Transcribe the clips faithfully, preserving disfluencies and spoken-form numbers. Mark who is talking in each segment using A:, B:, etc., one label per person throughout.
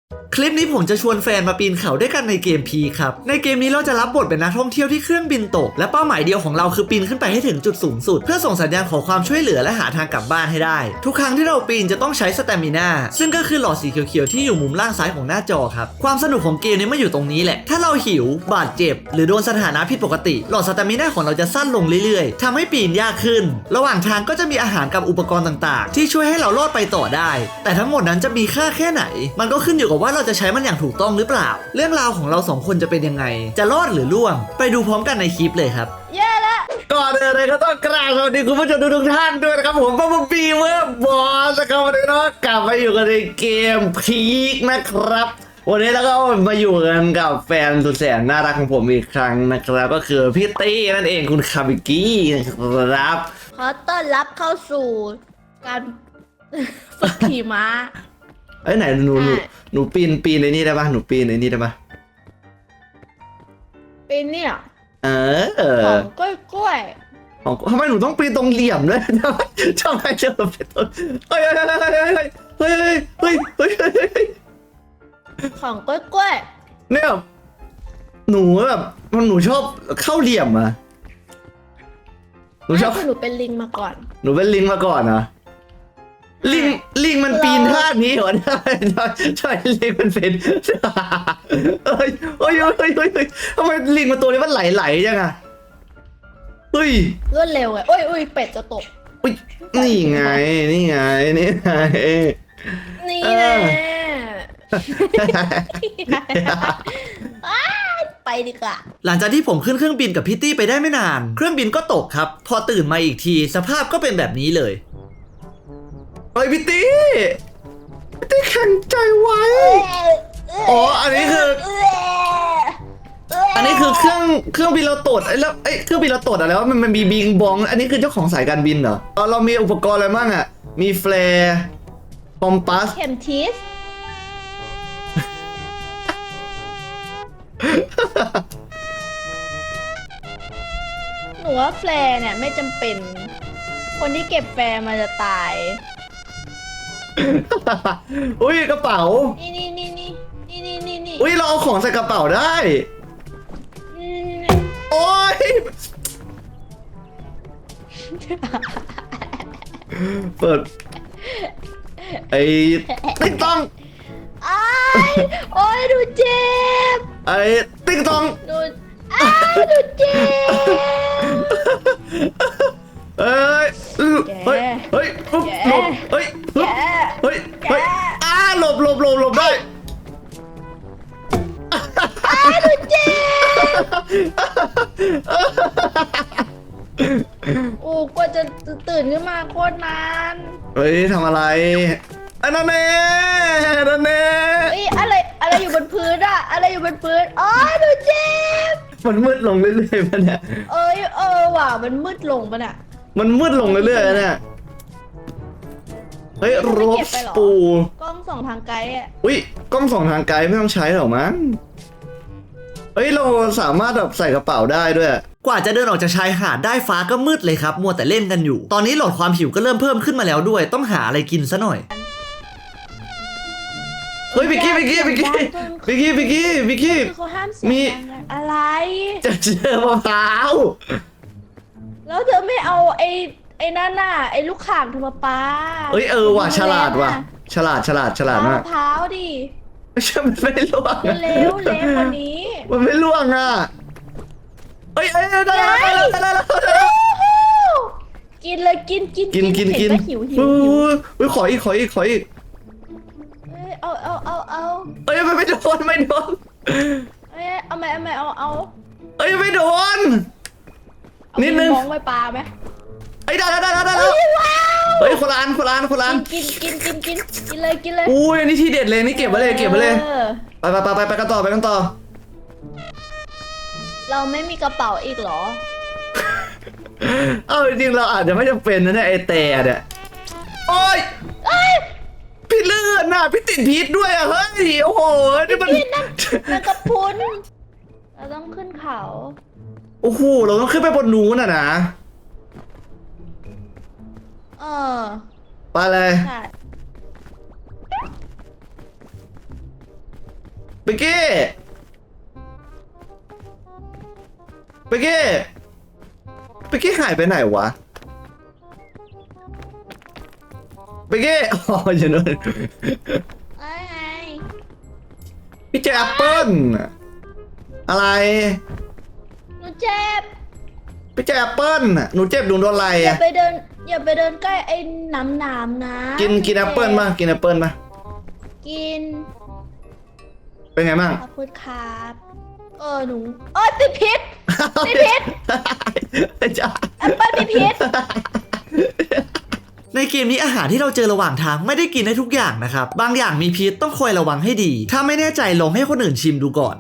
A: คลิปนี้ผมจะชวนแฟนมาปีนเขาด้วยกันในเกมพีครับในเกมนี้เราจะรับบทเป็นนักท่องเที่ยวที่เครื่องบินตกและเป้าหมายเดียวของเราคือปีนขึ้นไปให้ถึงจุดสูงสุดเพื่อส่งสัญญาณขอความช่วยเหลือและหาทางกลับบ้านให้ได้ทุกครั้งที่เราปีนจะต้องใช้สเตมิน่าซึ่งก็คือหลอดสีเขียวๆที่อยู่มุมล่างซ้ายของหน้าจอครับความสนุกของเกมนี้มาอยู่ตรงนี้แหละถ้าเราหิวบาดเจ็บหรือโดนสถานะผิดปกติหลอดสเตมิน่าของเราจะสั้นลงเรื่อยๆทำให้ปีนยากขึ้นระหว่างทางก็จะมีอาหารกับอุปกรณ์ต่างๆที่ช่วยให้เรารอดไปต่อได้แต่ทั้งหมดนั้นจะมีค่าแค่ไหนมันก็ขึ้นอยู่กับว่าเราจะใช้มันอย่างถูกต้องหรือเปล่าเรื่องราวของเราสองคนจะเป็นยังไงจะรอดหรือล่วงไปดูพร้อมกันในคลิปเลยครับ
B: เย่ละ
A: ก่อนอื่นเลยก็ต้องกราบสวัสดีคุณผู้ชมทุกท่านด้วยนะครับผมบัมบีเวอร์บอสนะครับวันนี้เนาะกลับมาอยู่กันในเกมพีคนะครับวันนี้แล้วก็มาอยู่กันกับแฟนสุดแสนน่ารักของผมอีกครั้งนะครับก็คือพี่ตี้นั่นเองคุณคาบิกี้นะครับ
B: ขอต้อนรับเข้าสู่การฝึกขี่ม้า
A: เอ้ยไหนหนูหนูหนูปีนปีนในนี่ได้ปะหนูปีนในนี่ได้ปะ
B: เป็นเนี่ย
A: เออ
B: ของกล้วยกล้วย
A: ของทำไมหนูต้องปีนตรงเหลี่ยมด้วยทำไมทำไมเจอเป็นต้นเฮ้ยเฮ้ยเฮ้ยเฮ้ยเฮ้ยเฮ้ยเฮ้ยเฮ้ย
B: ของกล้วยกล้วย
A: เนี่ยหนูแบบมันหนูชอบเข้าเหลี่ยมอะหนูชอบ
B: หนูเป็นลิงมาก่อน
A: หนูเป็นลิงมาก่อนนะลิงลิงมันปีนท่านี้เหรอใช่ใช่ลิงมันเป็นเฮ้ยเฮ้ยเฮ้ยเฮ้ยทำไมลิงมันตัวนี้มันไหลๆจังอะเฮ้ย
B: รวดเร็วไงโอ้ยโอ้ยเป็ดจะตก
A: อุ้ยนี่ไงนี่ไงนี่ไง
B: นี่แน่ไปดีกว่า
A: หลังจากที่ผมขึ้นเครื่องบินกับพี่ตี้ไปได้ไม่นานเครื่องบินก็ตกครับพอตื่นมาอีกทีสภาพก็เป็นแบบนี้เลยเฮ้ยพี่ตี้พี่ตี้แข็งใจไว้อ๋ออันนี้คืออันนี้คือเครื่องเครื่องบินเราตดไอ้แล้วไอ้เครื่องบินเราตดอะไรวะมันมันมีบิงบองอันนี้คือเจ้าของสายการบินเหรอเรามีอุปกรณ์อะไรบ้างอ่ะมีแฟร์คอมปัส
B: เข็มทิศหนูว่าแฟร์เนี่ยไม่จำเป็นคนที่เก็บแฟร์มันจะตาย
A: อุ้ยกระเป๋า
B: นี่นี่นี่นี่นี่นี่นี่นี่
A: อุ้ยเราเอาของใส่กระเป๋าได้โอ้ยเปิดไอ้ติ๊กต้อง
B: โอ้ยดูเจ็บ
A: ไอ้ติ๊กต้อง
B: ดูอ้าดูเจ็บ
A: เอ้ยเฮ้ยเฮ้ยปุ๊บหลบเฮ้ยปุ๊บเฮ้ยเฮ้ยอ้าหลบหลบหลบหลบได้
B: อ้าดูเจ็บโอ้กว่าจะตื่นขึ้นมาโคตรนาน
A: เฮ้ยทำอะไรอันนั้นเน่นั่นเน่
B: เฮ้ยอะไรอะไรอยู่บนพื้นอะอะไรอยู่บนพื้นอ๋อดูเจ็บ
A: มันมืดลงเรื่อยๆมันเนี่ย
B: เอ้ยเออว่ะมันมืดลงปะเนี่ย
A: มันมืดลงเรื่อยๆเนี่ยเฮ้ยรบปู
B: กล้องส่องทางไกลอ่ะ
A: อุ้ยกล้องส่องทางไกลไม่ต้องใช้หรอกมั้งเฮ้ยเราสามารถแบบใส่กระเป๋าได้ด้วยกว่าจะเดินออกจากชายหาดได้ฟ้าก็มืดเลยครับมัวแต่เล่นกันอยู่ตอนนี้หลอดความหิวก็เริ่มเพิ่มขึ้นมาแล้วด้วยต้องหาอะไรกินซะหน่อยเฮ้ยบิกกี้บิกกี้บิกกี้บิกกี้บิกกี้บิกกี้
B: เขาห้ามเสียงมีอะไร
A: จะเจอมะพร้าว
B: แล้วเธอไม่เอาไอ้ไอ้นั่นน่ะไอ้ลูกข่างเธอมาปา
A: เอ้ยเออว่ะฉลาดว่ะฉลาดฉลาดฉลาดมาก
B: มะพร้าวดิ
A: ไม่ใช่มันไม่ล่วง
B: เร็วเร็วกว่านี้
A: มันไม่ล่วงอ่ะเอ้ยเอ้ยได้ได้ได้ได้
B: กินเลยกินกิน
A: กินกินกิน
B: หิวหิว
A: หิวขออีกขออีกขออีก
B: เอาเอาเอาเอา
A: เอ้ยไม่โดนไม่โดน
B: เอ้ยเอาไหมเอาไหมเอาเอา
A: เอ้ยไม่โดนนิดนึง
B: มองไปปลาไหม
A: เอ้ยได้ได้ได้ได้แล้วเฮ้ยคนละอันคนละอันคนละอัน
B: กินกินกินกินกินเลยกินเลย
A: อุ้ยนี่ทีเด็ดเลยนี่เก็บไว้เลยเก็บไว้เลยไปไปไปไปไปกันต่อไปกันต่อ
B: เราไม่มีกระเป๋าอีกหรอ
A: เออจริงเราอาจจะไม่จำเป็นนะเนี่ยไอแต่เนี่ยโอ้ยพี่เลื่อนน่ะพี่ติดพิษด้วยอ่ะเฮ้ยโอ้โหนี่มัน
B: นั่นกระพุ้นเราต้องขึ้นเขา
A: โอ้โหเราต้องขึ้นไปบนนู้นอ่ะนะ
B: เออ
A: ไปเลยเบกกี้เบกกี้เบกกี้หายไปไหนวะเบกกี้อ๋ออยู่นู่น
B: ไอ้ไง
A: พี่เจอแอปเปิ้ลอะไร
B: หนูเจ็บ
A: พี่เจอแอปเปิ้ลหนูเจ็บหนูโดนอะไร
B: อย่า
A: อะ
B: ไปเดิน อย่าไปเดินใกล้ไอ้หนามหนามๆนะ
A: กินกินแอปเปิ้ลมากินแอปเปิ้ลมา
B: กิน
A: เป็นไงบ้าง
B: ขอบคุณครับเออหนูเออติดพิษติดพิษ
A: จ้า
B: แอปเปิ้ลมีพิษ
A: ในเกมนี้อาหารที่เราเจอระหว่างทางไม่ได้กินได้ทุกอย่างนะครับบางอย่างมีพิษต้องคอยระวังให้ดี ถ้าไม่แน่ใจลองให้คนอื่นชิมดูก่อน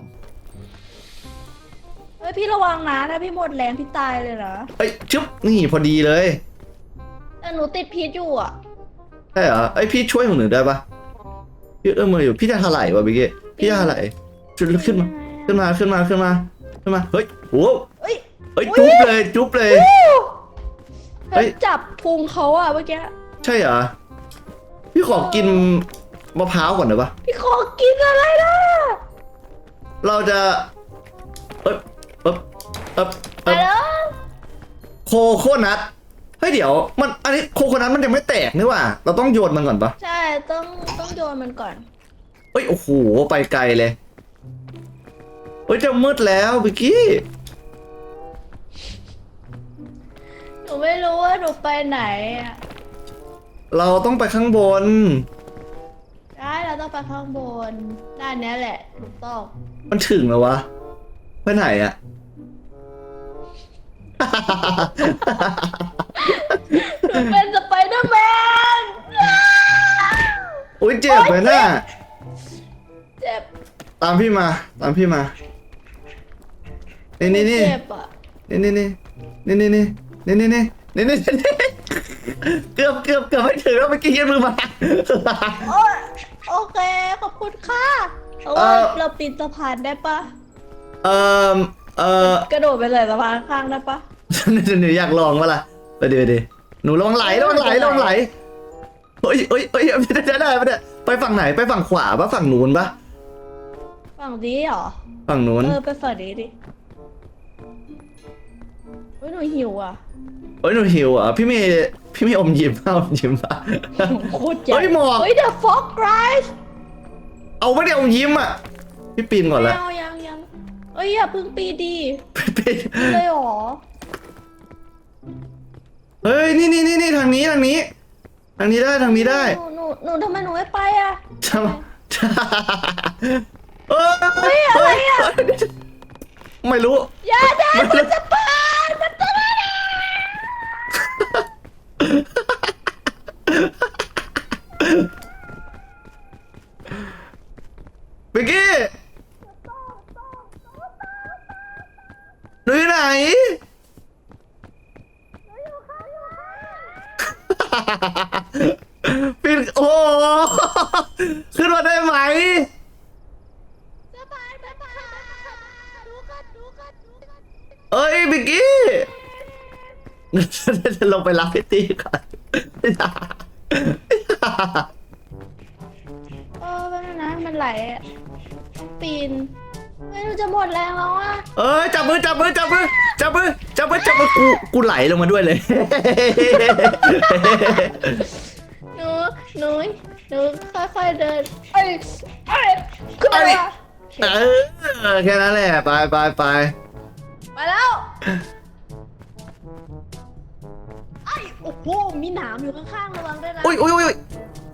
B: เฮ้ยพี่ระวังนะถ้าพี่หมดแรงพี่ตายเลยนะ
A: เอ้ยชึบนี่พอดีเลย
B: แต่หนูติดพิษอยู่อ่ะ
A: ใช่เหรอไอยพี่ช่วยของหนูได้ปะพี่เอื้อมมืออยู่พี่จะเท่าไหร่วะเมื่อกี้พี่จะเท่าไหร่ชุดขึ้นมาขึ้นมาขึ้นมาขึ้นมาขึ้นมาเฮ้ยโอ้
B: เฮ้ย
A: เฮ้ยจุ๊บเลยจุ๊บเลย เฮ้
B: เฮ้
A: ย
B: ยจับพุงเขาอ่ะเมื่อกี้
A: ใช่เหรอพี่ขอกินมะพร้าวก่อนได้ปะ
B: พี่ขอกินอะไรนะ
A: เราจะเอ๊บเอ๊บเอ๊บ
B: ไป
A: เอ๊บ
B: แล้ว
A: โคโคนัทเฮ้ยเดี๋ยวมันอันนี้โคโคนัทมันยังไม่แตกนี่หว่าเราต้องโยนมันก่อนปะ
B: ใช่ต้องต้องโยนมันก่อน
A: เฮ้ยโอ้โหไปไกลเลยเฮ้ยจะมืดแล้วบิกกี้
B: หนูไม่รู้ว่าหนูไปไหนอ่ะ
A: เราต้องไปข้างบน
B: ได้เราต้องไปข้างบนด้านเนี้ยแหละถูกต้อง
A: มันถึงแล้ววะไปไหนอะ
B: หนูเป็นสไปเดอร์แมน
A: อุ้ยเจ็บไหมน่ะ
B: เจ็บ
A: ตามพี่มาตามพี่มานี่นี่นี่
B: เจ็บอ่ะ
A: นี่นี่นี่นี่นี่นี่นี่นี่นี่นี่นี่นี่เกือบเกือบเกือบไม่ถึงแล้วเมื่อกี้ยืนมือมา
B: โอ้ยโอเคขอบคุณค่ะเพราะว่า
A: เอ่อ
B: เราปีนสะพานได้ปะ
A: เออเออก
B: ระโดดไปเลยสะพานข้างได้ปะ
A: หนูอยากลองปะล่ะไปดิไปดิหนูลองไหลลองไหลลองไหลเฮ้ยเฮ้ยเฮ้ยได้ได้ได้ปะเนี่ยไปฝั่งไหนไปฝั่งขวาปะฝั่งนู้นปะ
B: ฝั่งนี้เหรอ
A: ฝั่งนู้น
B: เออไปฝั่งนี้ดิเฮ้ยหนูหิวอ่ะ
A: เฮ้ยหนูหิวอ่ะพี่เมย์พี่เมย์อมยิ้มเอาอมยิ้มป่ะ
B: โคตรใหญ่
A: เฮ้ยหมอก
B: เฮ้ยเดอะฟ็อกไรส์
A: เอาไม่ได้อมยิ้มอ่ะพี่ปีนก่อน
B: ไม่
A: ละ
B: เอายังยังเอ้ยอย่าเพึ่งปีดี
A: ปีน
B: เลยเหรอ
A: เฮ้ยนี่นี่นี่นี่ทางนี้ทางนี้ ทางนี้ได้ทางนี้ได้
B: หนูหนูหนูทำไมหนูไม่ไปอ่ะ
A: ทำเออ
B: เฮ้ยอะไรอะ
A: ไม่รู้
B: อย่าได้มันจะเปิดมันจะมา
A: บิกกี้หนูอยู่ไหน ปิดโอ้โหขึ้นมาได้ไหม
B: สะพานสะพานดูกันดูกันดูกัน
A: เอ้ยบิกกี้จะลงไปรับพี่ตีก่อน
B: เออเป็นนะมันไหลอะปีนไม่รู้จะหมดแรงแล้วอ่ะ
A: เอ้ยจับมือจับมือจับมือจับมือจับมือจับมือกูกูไหลลงมาด้วยเลย
B: หนูหนูหนูค่อยๆเดินเอ้ยเอ้ยขึ้นมา
A: เออแค่นั้นแหละไปไปไป
B: มาแล้วไอ้โอ้โหมีหนามอยู่ข้างๆระวังด้วยนะ
A: อุ้ยอุ้ยอุ้ย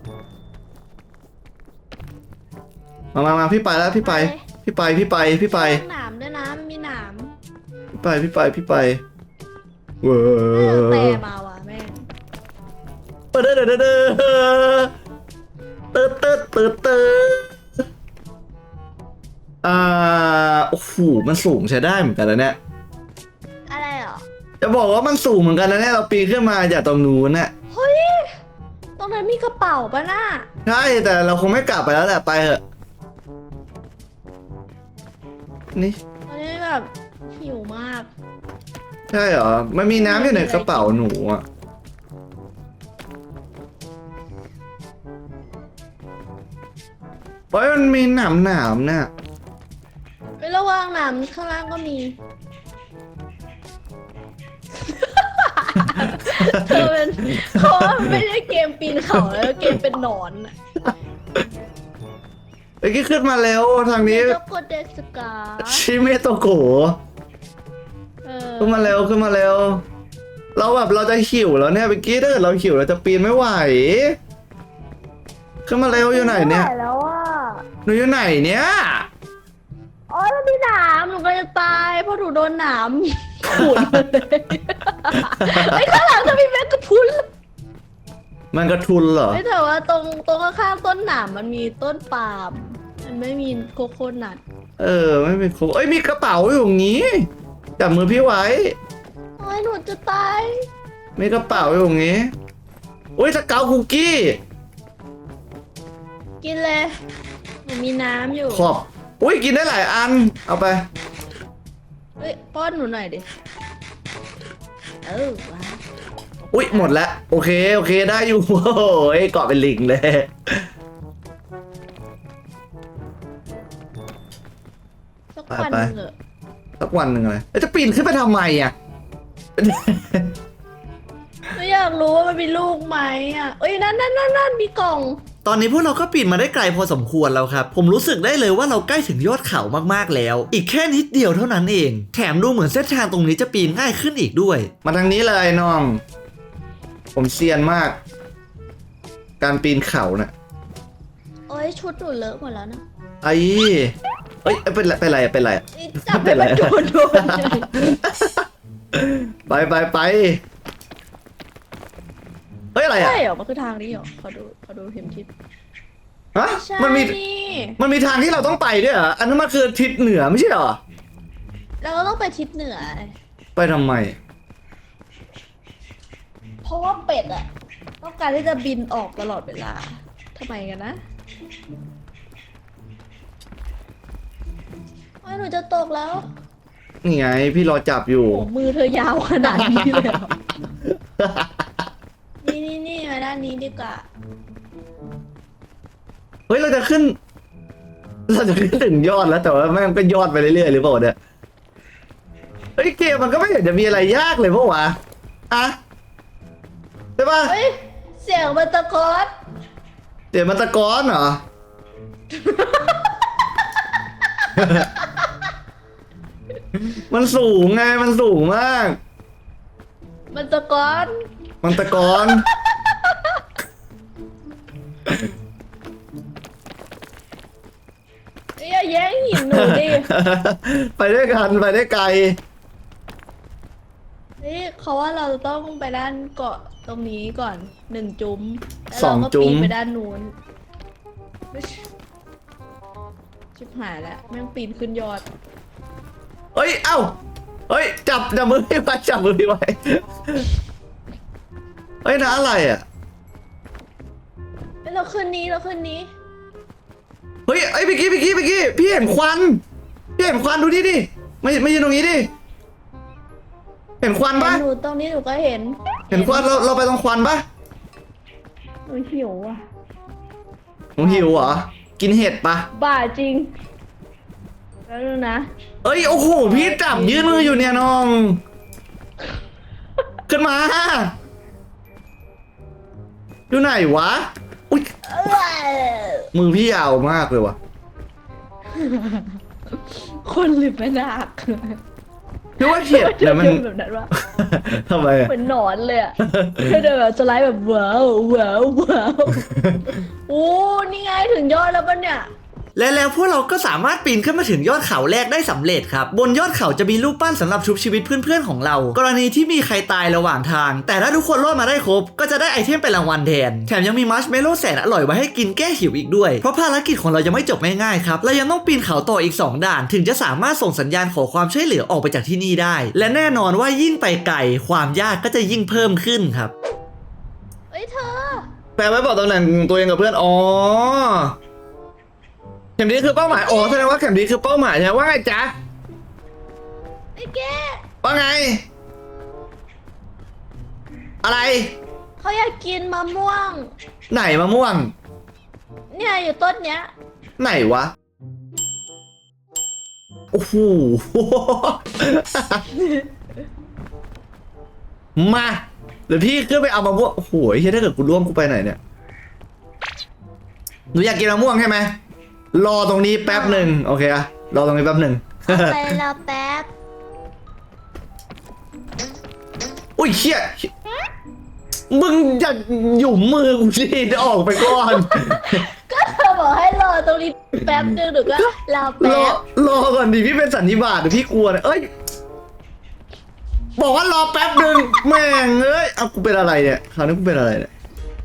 A: มามามาพี่ไปแล้วพี่ไปพี่ไปพี่ไปพี่ไป
B: ข้างหนามด้วยนะมีหนาม
A: พี่ไปพี่ไปพี่ไปเว้
B: เออแต่
A: ย
B: มาว่ะแม่ง
A: เด้อเด้อเด้อเด้อเติร์ดเติร์ดเติร์ดเติร์ดอ่าโอ้โหมันสูงใช้ได้เหมือนกันแล้วเนี่ย
B: อะไรเหรอ
A: จะบอกว่ามันสูงเหมือนกันนะเนี่ยเราปีนขึ้นมาจากตรงนู้นน่ะ
B: เฮ้ยตรงนั้นมีกระเป๋าปะน่ะ
A: ใช่แต่เราคงไม่กลับไปแล้วแหละไปเถอะนี่
B: ตอนนี้แบบหิวมาก
A: ใช่เหรอมันมีน้ำอยู่ในกระเป๋าหนูอ่ะเฮ้ยมันมีหนามหนามน่ะ
B: ไประวังน้ำข้างล่างก็มี เธอเป็นเขาว่ามันไม่ใช่เกมปีนเขาแล้วเกมเป็นหนอนอะ
A: เมื่อกี้ขึ้นมาแล้วทางนี้
B: โจโกเดสกา
A: ชิเมโตโกะ
B: เออ
A: ขึ้นมาเร็วขึ้นมาเร็วเราแบบเราจะหิวแล้วเนี่ยเมื่อกี้ถ้าเกิดเราหิวเราจะปีนไม่ไหวขึ้นมาเร็วอยู่ไหนเนี่ย
B: ม่หวแล้วอ่ะ
A: หนูอยู่ไหนเนี่ย
B: อ๋อแล้วมีหนามหนูก็จะตายเพราะหนูโดนหนามขูดมาเลยไอ้ข้างหลังจะมีแมงกะพรุน
A: มันกระทุนเหรอ
B: ไม่แต่ว่าตรงตรงข้างๆต้นหนามมันมีต้นปาล์มมันไม่มีโคโคนัท
A: เออไม่เป็นโคเอ้ยมีกระเป๋าอยู่อย่างงี้จับมือพี่ไว้
B: โอ้ยหนูจะตาย
A: มีกระเป๋าอยู่อย่างงี้อุ้ยสเกาคุกกี้
B: กินเลยหนูมีน้ำอยู่
A: ขอบอุ้ยกินได้หลายอันเอาไป
B: เฮ้ยป้อนหนูหน่อยดิเออว้าว
A: อุ้ยหมดแล้วโอเคโอเคได้อยู่ โอ้ยเกาะเป็นลิงเลย
B: สักวันหนึงเหอะ
A: สักวันหนึ่งเลยแล้วจะปีนขึ้นไปทำไมอ่ะ
B: ไม่อยากรู้ว่ามันมีลูกไหมอ่ะเอ้ยนั่นนั่นนั่นนั่นมีกล่อง
A: ตอนนี้พวกเราก็ปีนมาได้ไกลพอสมควรแล้วครับ ผมรู้สึกได้เลยว่าเราใกล้ถึงยอดเขามากๆแล้ว อีกแค่นิดเดียวเท่านั้นเอง แถมดูเหมือนเส้นทางตรงนี้จะปีนง่ายขึ้นอีกด้วย มาทางนี้เลยน้อง ผมเซียนมาก การปีนเขาน่ะ
B: โอ้ยชุดหนูเลอะหมดแล้วนะ
A: ไอ้เอ้ยเป็นไรเป็นไรเป็นไร
B: นี่จับให้มันโดนโดนเลย
A: ไปไปไปเฮ้ยอะไรอ่ะ
B: ใช่เหรอมันคือทางนี้เหรอขอดูขอดูเข็มทิศ
A: ฮะ
B: ใช่
A: มันมี
B: นี่
A: มันมีทางที่เราต้องไปด้วยเหรออันนั้นมันคือทิศเหนือไม่ใช่เหรอ
B: แล้วก็ต้องไปทิศเหนือ
A: ไปทำไม
B: เพราะว่าเป็ดอะต้องการที่จะบินออกตลอดเวลาทำไมกันนะโอ้ยหนูจะตกแล้ว
A: นี่ไงพี่รอจับอยู่
B: โอ้มือเธอยาวขนาดนี้เลยเหรอ นี่นี่นี่มาด้านนี้ดีกว่า
A: เฮ้ยเราจะขึ้น เราจะขึ้นถึงยอดแล้วแต่ว่าแม่งก็ยอดไปเรื่อยๆหรือเปล่าเนี่ยเฮ้ยเกมมันก็ไม่เห็นจะมีอะไรยากเลยเพราะวะอะใช่ปะ
B: เฮ้ย เสียงมันตะโกน
A: เดี๋ยวมันตะกอนเหรอ มันสูงไงมันสูงมาก
B: มันตะโกน
A: มันตะกอน
B: เอ้ยอย่าแย่งหินหนูดิ
A: ไปด้วยกันไปได้ไกล
B: นี่เขาว่าเราต้องไปด้านเกาะตรงนี้ก่อนหนึ่งจุ้มแล้ว
A: สอง
B: เราก็
A: จุ้ม
B: ปีนไปด้านนู้นชิบหายแล้วแม่งปีนขึ้นยอด
A: เฮ้ยเอ้าเฮ้ยจับจับมือพี่ไว้จับมือพี่ไว้เฮ้ยนะอะไรอ่ะ
B: เอ้ยเราขึ้นนี้เราขึ้นนี้
A: เฮ้ยไอ้ยเมื่อกี้เมื่อกี้เมื่อกี้พี่เห็นควันพี่เห็นควันดูดิดิไม่ไม่ยืนตรงนี้ดิเห็นควันปะ
B: หนูตรงนี้หนูก็เห็น
A: เห็นควันเราเราไปตรงควันปะ
B: หนูหิวอ่ะ
A: หนูหิวเหรอกินเห็ดปะ
B: บ้าจริงแล้วดูนะ
A: เอ้ยโอ้โหพี่จับยืนมืออยู่เนี่ยน้องขึ้นมาอยู่ไหนวะอุ้ย
B: เอ้ย
A: มือพี่ยาวมากเลยวะ
B: คนหรือไม่นัก
A: พี่ว่าเห็ดเนี่ยมัน
B: แบบนั้นวะ
A: ทำไมอะ
B: เหมือนหนอนเลยอ่ะคือเดินแบบสไลด์แบบว้าวว้าวว้าวโอ้นี่ไงถึงยอดแล้วปะเนี่ย
A: และแล้วพวกเราก็สามารถปีนขึ้นมาถึงยอดเขาแรกได้สำเร็จครับบนยอดเขาจะมีรูปปั้นสำหรับชุบชีวิตเพื่อนๆของเรา กรณีที่มีใครตายระหว่างทาง แต่ถ้าทุกคนรอดมาได้ครบก็จะได้ไอเทมเป็นรางวัลแทนแถมยังมีมัชเมลโล่แสนอร่อยไว้ให้กินแก้หิวอีกด้วยเพราะภารกิจของเรายังไม่จบง่ายๆครับเรายังต้องปีนเขาต่ออีกสองด่านถึงจะสามารถส่งสัญญาณขอความช่วยเหลือออกไปจากที่นี่ได้ และแน่นอนว่ายิ่งไปไกลความยากก็จะยิ่งเพิ่มขึ้นครับ
B: เอ้ยเธอ
A: แปลไว้บอกตำแหน่งตัวเองกับเพื่อนอ๋อเข็มดีคือเป้าหมายอ๋อแสดงว่าเข็มดีคือเป้าหมายใช่ไหมว่าไงจ๊ะ
B: ไอ้แก
A: ว่าไง อะไร
B: เขาอยากกินมะม่วง
A: ไหนมะม่วง
B: เนี่ยอยู่ต้นเนี้ย
A: ไหนวะโอ้โห มาเดี๋ยวพี่ขึ้นไปเอามะม่วงโอ้โหเฮ้ยถ้าเกิดกูร่วงกูไปไหนเนี่ยหนูอยากกินมะม่วงใช่ไหมรอตรงนี้แป๊บหนึ่งโอเคอะรอตรงนี้แป๊บหนึ่ง
B: ไปรอแป๊บ
A: อุ้ยเชี่ยมึงอย่าหยุ่มมือกูสิออกไปก่อน
B: ก็เธอบอกให้รอตรงนี้แป๊บนึงหนูก็รอ
A: ร
B: แป๊
A: อบ รอก่อนดิพี่เป็นสันนิบาตเดี๋ยวพี่กลัวนะเอ้ยบอกว่ารอแป๊บหนึ่งแม่งเอ้ยเอากูเป็นอะไรเนี่ยคราวนี้กูเป็นอะไรเนี่ย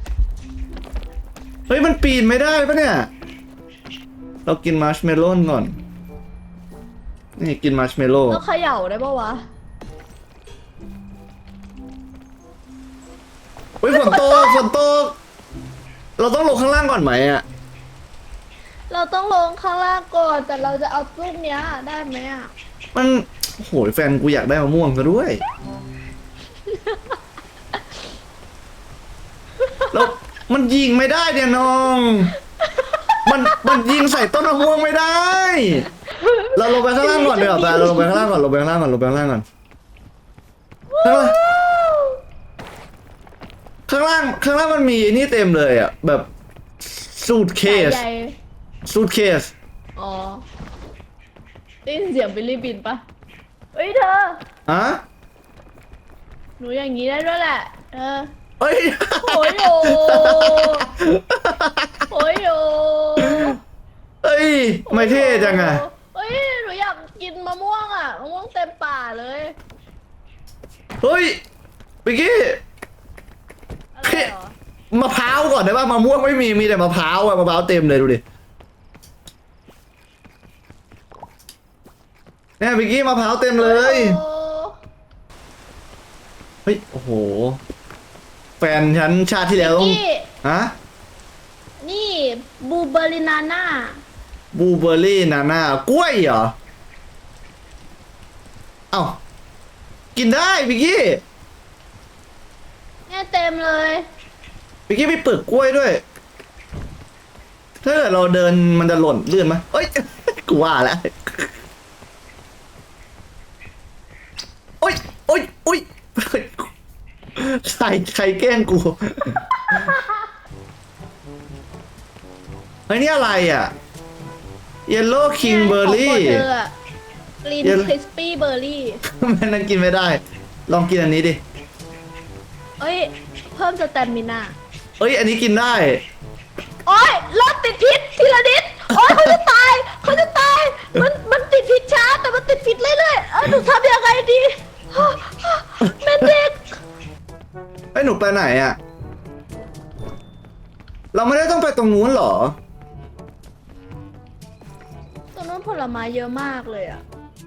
A: เฮ้ยมันปีนไม่ได้ปะเนี่ยเรากินมาร์ชเมลโล่ก่อนนี่กินมาร์ชเมลโล่
B: ต้องเขย่าได้ปะวะ
A: เฮ้ยฝนตกฝนตกเราต้องลงข้างล่างก่อนไหมอ่ะ
B: เราต้องลงข้างล่างก่อนแต่เราจะเอาลูกเนี้ยได้ไหมอ่ะ
A: มันโอ้โหแฟนกูอยากได้มะม่วงซะด้วยแล้วมันยิงไม่ได้เนี่ยน้องมันมันยิงใส่ต้นมะม่วงไม่ได้ เราลงไปข้างล่างก่อนเดี๋ยวแต่เราลงไปข้างล่างก่อนลงไปข้างล่างก่อนลงไปข้างล่างก่อนข้างล่างข้างล่างข้างล่างมันมีนี่เต็มเลยอ่ะแบบสูทเคส
B: ใหญ่
A: สูทเคส
B: อ๋อได้ยินเสียงบิลลี่บินปะเฮ้ยเธอ
A: อะ
B: หนูอย่างนี้ได้ด้วยแหละเออ
A: เอ้ย
B: โอ้ยโยโอ้ยโย
A: เอ้ยไม่เท่จังอะ
B: เฮ้ยหนูอยากกินมะม่วงอ่ะมะม่วงเต็มป่าเลย
A: เฮ้ยปิกกี้
B: อะไรเหรอ
A: มะพร้าวก่อนได้ป่ะมะม่วงไม่มีมีแต่มะพร้าวอะมะพร้าวเต็มเลยดูดิเนี่ยปิกกี้มะพร้าวเต็มเลย
B: โอ้
A: เฮ้ยโอ้โหแฟนฉันชาติที่แล้วต้อง
B: นี่
A: ฮะ
B: นี่บูเบอรินาน่า
A: บลูเบอร์รี่นานากล้วยเหรอเอ้ากินได้ปิกกี้
B: เนี่ยเต็มเลย
A: ปิกกี้มีเปลือกกล้วยด้วยถ้าเกิดเราเดินมันจะหล่นลื่นไหมเอ้ย กูว่าแล้วโอ้ยโอ้ยโอ้ยใครใครแกล้งกู เฮ้ยนี่อะไรอ่ะ Yellow King Berry
B: ของโปรดเธออะกรีน
A: เดี๋ยว
B: คริสปี้เบอร์รี่
A: แม่นั่นกินไม่ได้ ลองกินอันนี้ดิ
B: เอ้ย เพิ่มสแตมินา
A: เอ้ย อันนี้กินได้
B: โอ้ยรถติดพิษทีละนิดโอ้ยเขาจะตายเขาจะตาย มันมันติดพิษช้าแต่มันติดพิษเรื่อยๆเออหนูทำยังไงดีแม่เด็ก
A: ไอ้ยหนูไปไหนอ่ะ เราไม่ได้ต้องไปตรงนู้นเหรอ
B: ตรงนู้นผลไม้เยอะมากเลยอะ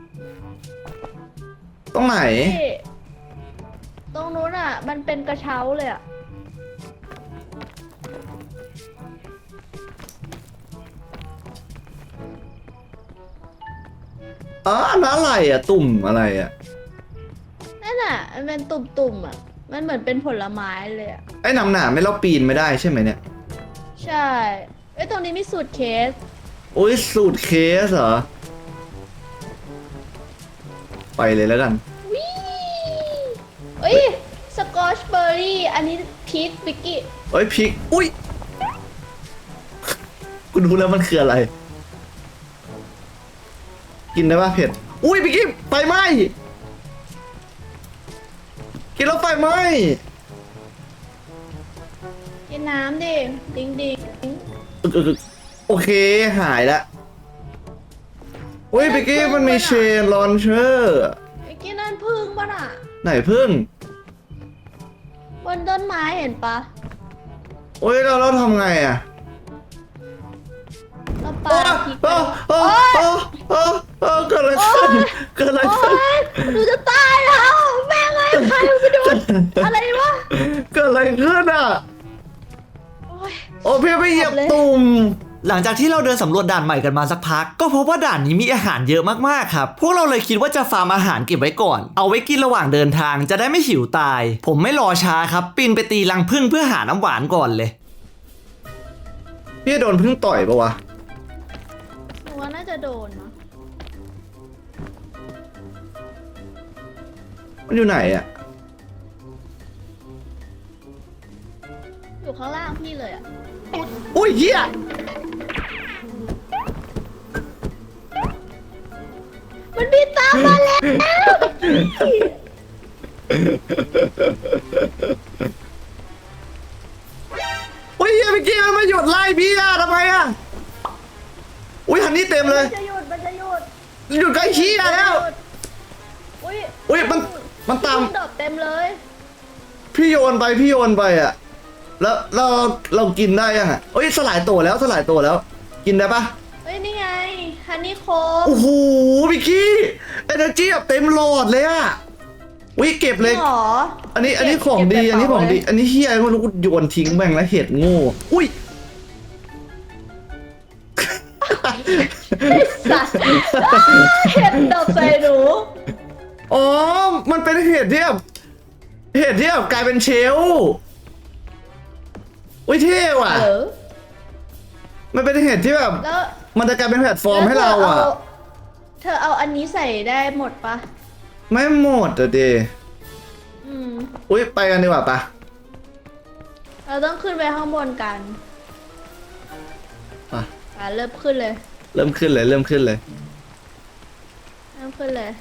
A: ตรงไหน
B: นี่ตรงนู้นอะมันเป็นกระเช้าเลยอะ
A: อ๋อนั่นอะไรอ่ะ ตุ่มอะไรอ่ะ
B: นั่นอะมันเป็นตุ่มๆอะมันเหมือนเป็นผลไม้เลยอะ
A: ไอ้หนำหนาไม่เราปีนไม่ได้ใช่ไหมเนี่ย
B: ใช่เอ้ยตรงนี้มีสูตรเคส
A: โอ้ยสูตรเคสเหรอ ไปเลยแล้วกัน
B: วิเอ้ยสกอชเบอร์รี่อันนี้พีชบิกกี้
A: เอ้ยพริก อุ้ย กูดูแล้วมันคืออะไร กินได้ป่ะเผ็ด อุ้ยพี่กิ๊ฟไฟไหม้กินแล้วไฟไหม้
B: กินน้ำดิดิงดิง
A: อึกอึกอึกโอเคหายละอุ้ยพี่กิ๊ฟมันมีเชนลอนเชอร์
B: ไอ้กินนั่นพึ่งป่ะน่ะ
A: ไหนพึ่ง
B: บนต้นไม้เห็นปะ
A: โอ้ยเราเราทำไงอ่ะ
B: เราป
A: โอ้
B: าพริกไป
A: โอ้โอ้โอ้โอ้โอ้เกิดอะไรขึ้นเกิดอะไร
B: โอ๊
A: ขึ้น
B: ยหนูจะตายแล้วแม่งไงใครไปดูอะไรวะ
A: เกิดอะไรขึ้นอ่ะ
B: โอ๊ย
A: โอ้พี่ไปเหยียบ
B: เลย
A: ตุ่มหลังจากที่เราเดินสำรวจด่านใหม่กันมาสักพักก็พบว่าด่านนี้มีอาหารเยอะมากๆครับพวกเราเลยคิดว่าจะฟาร์มอาหารเก็บไว้ก่อนเอาไว้กินระหว่างเดินทางจะได้ไม่หิวตาย ผมไม่รอช้าครับปีนไปตีรังผึ้งเพื่อหาน้ำหวานก่อนเลยพี่โดนผึ้งต่อยปะวะ
B: หนูว่าน่าจะโดนนะ
C: มันอยู่ไหนอ่ะ
B: อยู่ข้างล่างพี่เลยอ่ะ
C: อุ้ยเหี้ย
B: มันบินตามมาแล้ว
C: อุ้ยเหี้ยเมื่อกี้มันมาหยุดไล่พี่อะทำไมอะอุ้ยฮันนี่เต็มเลย
B: มันจะหยุดมันจะหยุด
C: หยุดใกล้ขี้อะแล้ว
B: อุ้ย
C: อุ้ยมันมันตาม
B: นดอกเต็มเลย
C: พี่โยนไปพี่โยนไปอะแล้วเราเรากินได้ยังอะเอ้ยสลายตัวแล้วสลายตัวแล้ว กินได้ปะ
B: เฮ้ยนี่ไงฮันนี่โคม
C: โอ้โหพี่กี้เอเนอร์จีแบบเต็มหลอดเลยอะอุ้ยเก็บเลย
B: หรอ
C: อันนี้อันนี้ของ
B: เก็บ
C: ดี
B: เก็บ
C: อันนี้ของดี
B: กระเป๋าเลย
C: อันนี้เฮียไม่รู้กูโยนทิ้งแม่งแล้วเห็ดโง่อุ้ย
B: ไอ้สัตว์อ้าเห็ดดอกใส่หนู
C: อ๋อมันเป็นเห็ดที่แบบเห็ดที่แบบกลายเป็นเชลลอุ้ยเท่ว่ะ
B: เออ
C: มันเป็นเห็ดที่แบบ
B: แล้ว
C: มันจะกลายเป็นแพลตฟอร์มให้เราอ่ะ
B: เธอเอาอันนี้ใส่ได้หมดปะ
C: ไม่หมดอะเด
B: อืม
C: อุ้ยไปกันดีกว่าปะ
B: เราต้องขึ้นไปข้างบนกัน
C: ไป
B: อ่ะเริ่มขึ้นเลย
C: เริ่มขึ้นเลยเริ่มขึ้นเลย
B: เริ่มขึ้นเลย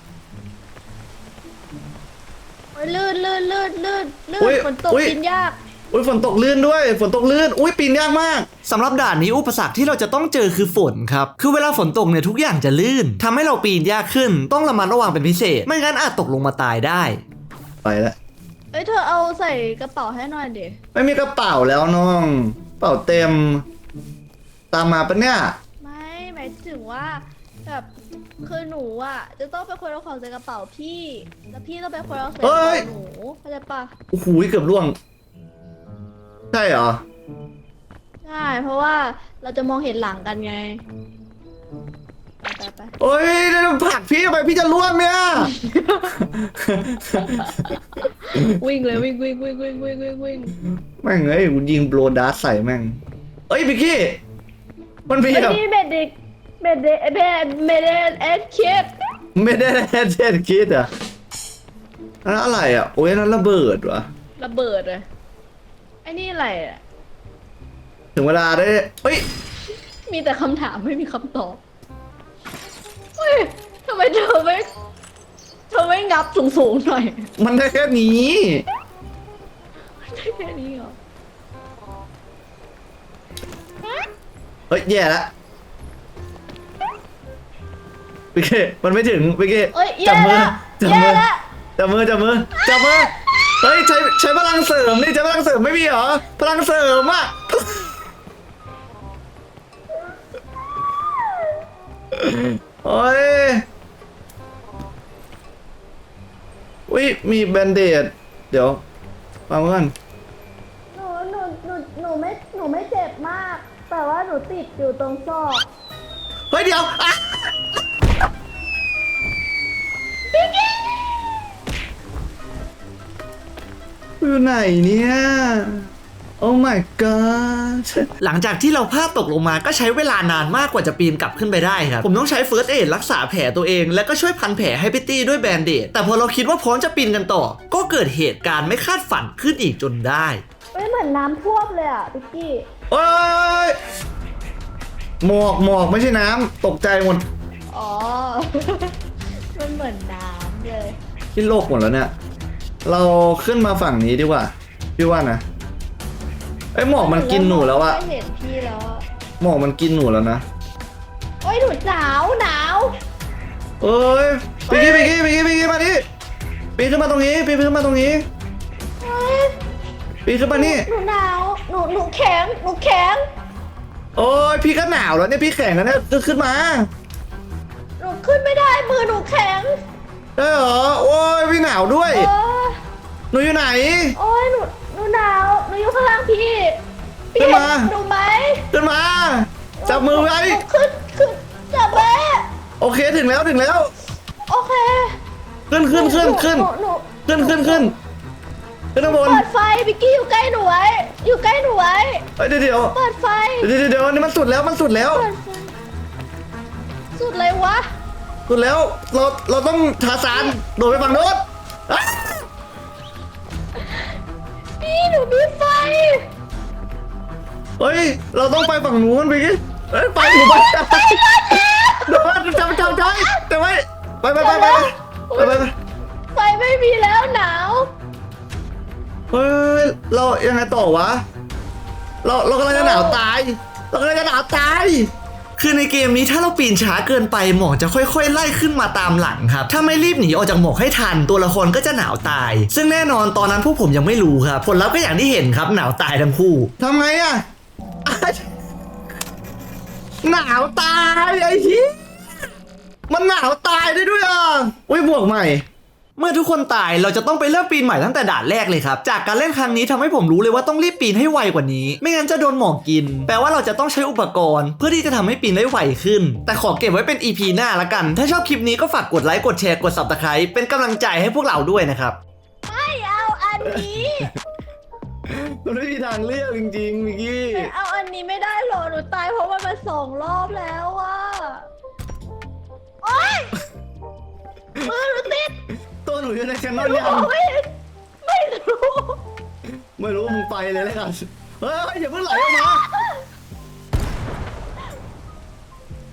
B: โอ้ยลื่นลื่นลื่นลื่นลื่
C: อุ๊ย
B: นฝนตก
C: อุ๊ย
B: กินยาก
C: อุ้ยฝนตกลื่นด้วยฝนตกลื่นอุ้ยปีนยากมาก
A: สำหรับด่านนี้อุปสรรคที่เราจะต้องเจอคือฝนครับ คือเวลาฝนตกเนี่ยทุกอย่างจะลื่นทำให้เราปีนยากขึ้น ต้องระมัดระวังเป็นพิเศษ ไม่งั้นอาจตกลงมาตายได้
C: ไปแล้ว
B: เอ้ยเธอเอาใส่กระเป๋าให้หน่อยเดี๋ยว
C: ไม่มีกระเป๋าแล้วน้องกระเป๋าเต็ม ตามมาปะเนี่ย
B: ไม่หมายถึงว่าแบบคือหนูอ่ะจะต้องเป็นคนเอาของใส่กระเป๋าพี่ แล้วพี่ต้องเป็นคนเอาใส่กระ
C: เฮ้
B: เป๋าย หนูเข้าใจปะ
C: โอ้โหเกือบล่วงใช่เหรอ
B: ใช่เพราะว่าเราจะมองเห็นหลังกันไงไปไปไป
C: โอ้ยเดี๋ยวผลักพี่ไปพี่จะล่วงเนี่ย
B: วิ่งเลยวิ่งวิ่งวิ่งวิ่งวิ่งวิ่งวิ่ง
C: แม่งเอ้ยกูยิงโบรดาร์ใส่แม่งเอ้ยพี่กี้มันมี
B: ไอ้
C: แบบ
B: นี่เบดเด็กเบดเด็กเบดเบดเด็กเอ็ดคิด
C: ไม่ได้แค่เช่นคิดอ่ะนั่นอะไรอ่ะโอ้ยนั่นระเบิดวะ
B: ระเบิดเลยไอ้นี่อะไรอ่ะ
C: ถึงเวลาได้เอ้ย
B: มีแต่คำถามไม่มีคำตอบเฮ้ยทำไมเธอไม่เธอไม่งับสูงๆหน่อย
C: มันได้แค่นี้
B: ได้แค่นี้เหรอ
C: เฮ้ยแย่ละพี่กี้มันไม่ถึงพี่กี้
B: เอ้ย
C: จั
B: แย่
C: มื
B: ละ
C: จั
B: แย่
C: มือ
B: ละ
C: จับมือจับมือจับมือเฮ้ยใช้ใช้พลังเสริมนี่ใช้พลังเสริมไม่มีเหรอพลังเสริมอ่ะโอ้ยอุ้ยมีแบนเดดเดี๋ยวฟังก่อน
B: หนูหนูหนูหนูไม่หนูไม่เจ็บมาก แต่ว่าหนูติดอยู่ตรงซอก
C: เฮ้ยเดี๋ยวอ่ะอยู่ไหนเนี่ย โอ้ my god
A: หลังจากที่เราพลาดตกลงมาก็ใช้เวลานานมากกว่าจะปีนกลับขึ้นไปได้ครับ ผมต้องใช้ First Aid รักษาแผลตัวเอง แล้วก็ช่วยพันแผลให้พิตตี้ด้วยแบนเดดแต่พอเราคิดว่าพร้อมจะปีนกันต่อ ก็เกิดเหตุการณ์ไม่คาดฝันขึ้นอีกจนได้
B: เฮ้ยเหมือนน้ำท่วมเลยอ่ะพิกกี้
C: โอ้ยหมอกหมอกไม่ใช่น้ำตกใจหมด
B: อ๋อ มันเหมือนน้ำเลย
C: ที่โลกหมดแล้วเนี่ย เราขึ้นมาฝั่งนี้ดีกว่า พี่ว่านะไอ้ยหมอกมันกินหนูแล้วอะ
B: ไม่เห็นพี่แล้วอะ
C: หมอกมันกินหนูแล้วนะ
B: โอ้ยหนูหนาวหนาว
C: เอ้ยไปกี้ไปกี้ไปกี้ไปกี้มาดิปีนขึ้นมาตรงนี้ปีนขึ้นมาตรงนี้
B: เฮ้ย
C: ปีนขึ้นมานี่
B: หนูหนาว หนูหนูแข็ง หนูแข็ง
C: โอ้ยพี่ก็หนาวแล้วเนี่ยพี่แข่งกันเนี่ยขึ้นมา
B: หนูขึ้นไม่ได้ มือหนูแข็ง
C: ได้เหรอโอ้ยพี่หนาวด้วย
B: เออ
C: หนูอยู่ไหน
B: โอ้ยหนูหนูหนาว หนูอยู่ข้างล่างพี่ พี่
C: ขึ้น
B: เห็น
C: มา
B: หนูไหม
C: ขึ้นมาจับมือไว้
B: หนูขึ้นขึ้นจับแม่
C: โอเคถึงแล้วถึงแล้ว
B: โอเค
C: ขึ้นขึ้นขึ้นขึ้น
B: หหนู
C: ขึ้นขึ้นขึ้นขึ้นข้างบน
B: เปิดไฟพิกกี้อยู่ใกล้หนูไว้ อยู่ใกล้หนูไว้
C: เฮ้ยเดี๋ยวเดี๋ยว
B: เปิดไฟ
C: เดี๋ยวเดี๋ยวเดี๋ยวนี่มันสุดแล้วมันสุดแล้ว
B: เปิดไฟ สุดเลยวะ
C: สุดแล้วเราเราต้องทาสานโดดไปฝั่งโน้น
B: พี่หนูมีไฟ
C: เฮ้ยเราต้องไปฝั่งนู้นไปกิเฮ้ยไปหนูไปไปเดี๋ยวจำจำจำแต่ไม่ไปไปไปไปไปไปไป
B: ไฟไม่มีแล้วหนาว
C: เฮ้ยเรายังไงต่อวะเราเรากำลังจะหนาวตายเรากำลังจะหนาวตาย
A: คือในเกมนี้ถ้าเราปีนช้าเกินไปหมอกจะค่อยๆไล่ขึ้นมาตามหลังครับถ้าไม่รีบหนีออกจากหมอกให้ทันตัวละครก็จะหนาวตาย ซึ่งแน่นอนตอนนั้นพวกผมยังไม่รู้ครับผลลัพธ์ก็อย่างที่เห็นครับหนาวตายทั้งคู่
C: ทำไงอะหนาวตายไอ้ที่มันหนาวตายได้ด้วยอ่ะอุ้ยบวกใหม่
A: เมื่อทุกคนตายเราจะต้องไปเริ่มปีนใหม่ตั้งแต่ด่านแรกเลยครับจากการเล่นครั้งนี้ทำให้ผมรู้เลยว่าต้องรีบปีนให้ไวกว่านี้ไม่งั้นจะโดนหมอกกินแปลว่าเราจะต้องใช้อุปกรณ์เพื่อที่จะทำให้ปีนได้ไวขึ้นแต่ขอเก็บไว้เป็น อี พี หน้าละกันถ้าชอบคลิปนี้ก็ฝากกดไลค์กดแชร์กด ซับสไครบ์ เป็นกำลังใจให้พวกเราด้วยนะครับ
B: ไม่เอาอันนี้
C: มันไม่มีทางเลือกจริงๆมิกกี้
B: เอาอันนี้ไม่ได้หรอหนูตายเพราะมันมาสองรอบแล้วอะโอ๊ยมือหนูติด
C: ตัวหนูอยู่ในแคนนอนยัง
B: ไม่ไม่รู้
C: ไม่รู้มึงไปเลยแล้วกันเฮ้ยอย่าเพิ่งไหลออกมา